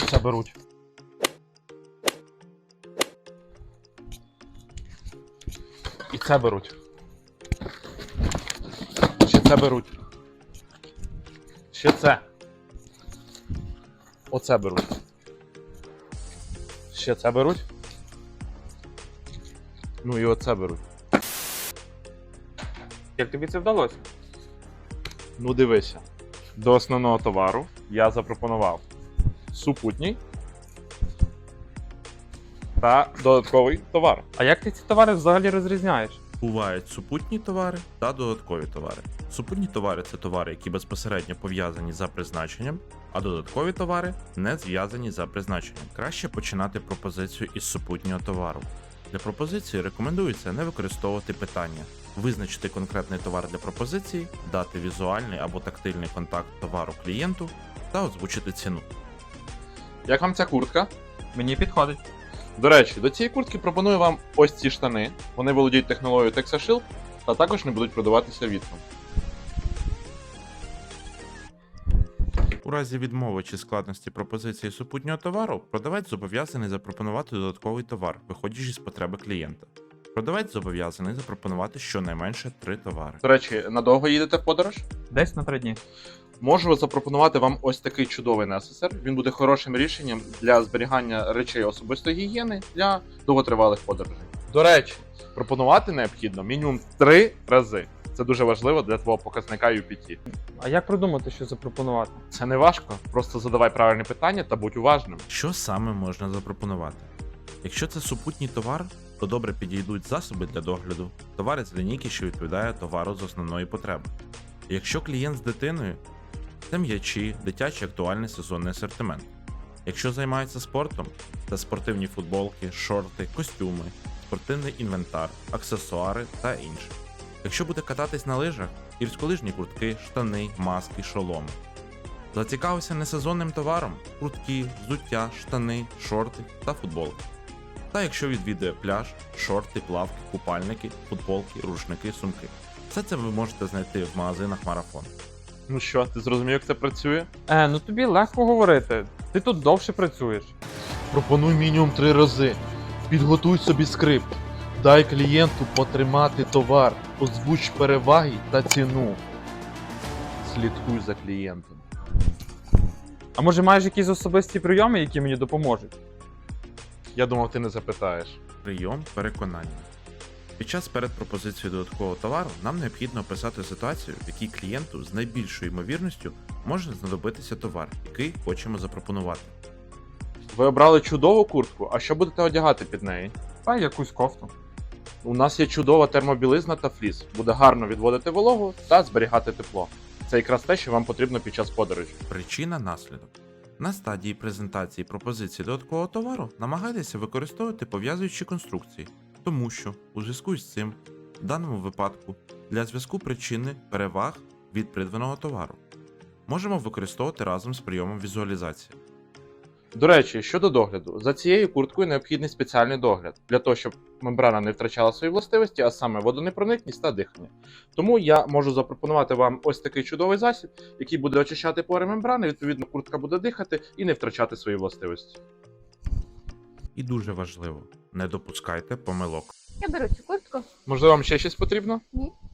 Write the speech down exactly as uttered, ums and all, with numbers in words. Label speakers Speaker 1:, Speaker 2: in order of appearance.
Speaker 1: Оце беруть. І це беруть. Ще це беруть. Ще це. Оце беруть. Ще це беруть. Ну і оце беруть.
Speaker 2: Як тобі це вдалося?
Speaker 1: Ну дивися. До основного товару я запропонував супутній та додатковий товар.
Speaker 2: А як ти ці товари взагалі розрізняєш?
Speaker 3: Бувають супутні товари та додаткові товари. Супутні товари це товари, які безпосередньо пов'язані за призначенням, а додаткові товари не зв'язані за призначенням. Краще починати пропозицію із супутнього товару. Для пропозиції рекомендується не використовувати питання, визначити конкретний товар для пропозиції, дати візуальний або тактильний контакт товару клієнту та озвучити ціну.
Speaker 1: Як вам ця куртка?
Speaker 2: Мені підходить.
Speaker 1: До речі, до цієї куртки пропоную вам ось ці штани. Вони володіють технологією TexaShield та також не будуть продаватися вітром.
Speaker 3: У разі відмови чи складності пропозиції супутнього товару, продавець зобов'язаний запропонувати додатковий товар, виходячи з потреби клієнта. Продавець зобов'язаний запропонувати щонайменше три товари.
Speaker 1: До речі, надовго їдете в подорож?
Speaker 2: Десь на три дні.
Speaker 1: Можу запропонувати вам ось такий чудовий несесер. Він буде хорошим рішенням для зберігання речей особистої гігієни для довготривалих подорожей. До речі, пропонувати необхідно мінімум три рази. Це дуже важливо для твого показника ю пі ті.
Speaker 2: А як придумати, що запропонувати?
Speaker 1: Це не важко, просто задавай правильні питання та будь уважним.
Speaker 3: Що саме можна запропонувати? Якщо це супутній товар, то добре підійдуть засоби для догляду, товари з лінійки, що відповідає товару з основної потреби. Якщо клієнт з дитиною, це м'ячі, дитячий актуальний сезонний асортимент. Якщо займається спортом, це спортивні футболки, шорти, костюми, спортивний інвентар, аксесуари та інше. Якщо буде кататись на лижах, гірськолижні куртки, штани, маски, шоломи. Зацікавився несезонним товаром – куртки, взуття, штани, шорти та футболки. Та якщо відвідує пляж, шорти, плавки, купальники, футболки, рушники, сумки. Все це ви можете знайти в магазинах Марафон.
Speaker 1: Ну що, ти зрозумів, як це працює?
Speaker 2: Е, ну тобі легко говорити. Ти тут довше працюєш.
Speaker 1: Пропонуй мінімум три рази. Підготуй собі скрипт. Дай клієнту потримати товар, озвуч переваги та ціну. Слідкуй за клієнтом.
Speaker 2: А може маєш якісь особисті прийоми, які мені допоможуть?
Speaker 1: Я думав, ти не запитаєш.
Speaker 3: Прийом переконання. Під час передпропозиції додаткового товару нам необхідно описати ситуацію, в якій клієнту з найбільшою ймовірністю може знадобитися товар, який хочемо запропонувати.
Speaker 1: Ви обрали чудову куртку, а що будете одягати під неї?
Speaker 2: Та якусь кофту.
Speaker 1: У нас є чудова термобілизна та фліс. Буде гарно відводити вологу та зберігати тепло. Це якраз те, що вам потрібно під час подорожі.
Speaker 3: Причина-наслідок. На стадії презентації пропозиції додаткового товару намагайтеся використовувати пов'язуючі конструкції, тому що у зв'язку з цим, в даному випадку, для зв'язку причини переваг від придбаного товару можемо використовувати разом з прийомом візуалізації.
Speaker 1: До речі, щодо догляду, за цією курткою необхідний спеціальний догляд, для того, щоб мембрана не втрачала свої властивості, а саме водонепроникність та дихання. Тому я можу запропонувати вам ось такий чудовий засіб, який буде очищати пори мембрани, відповідно куртка буде дихати і не втрачати свої властивості.
Speaker 3: І дуже важливо, не допускайте помилок.
Speaker 4: Я беру цю куртку.
Speaker 1: Можливо, вам ще щось потрібно?
Speaker 4: Ні.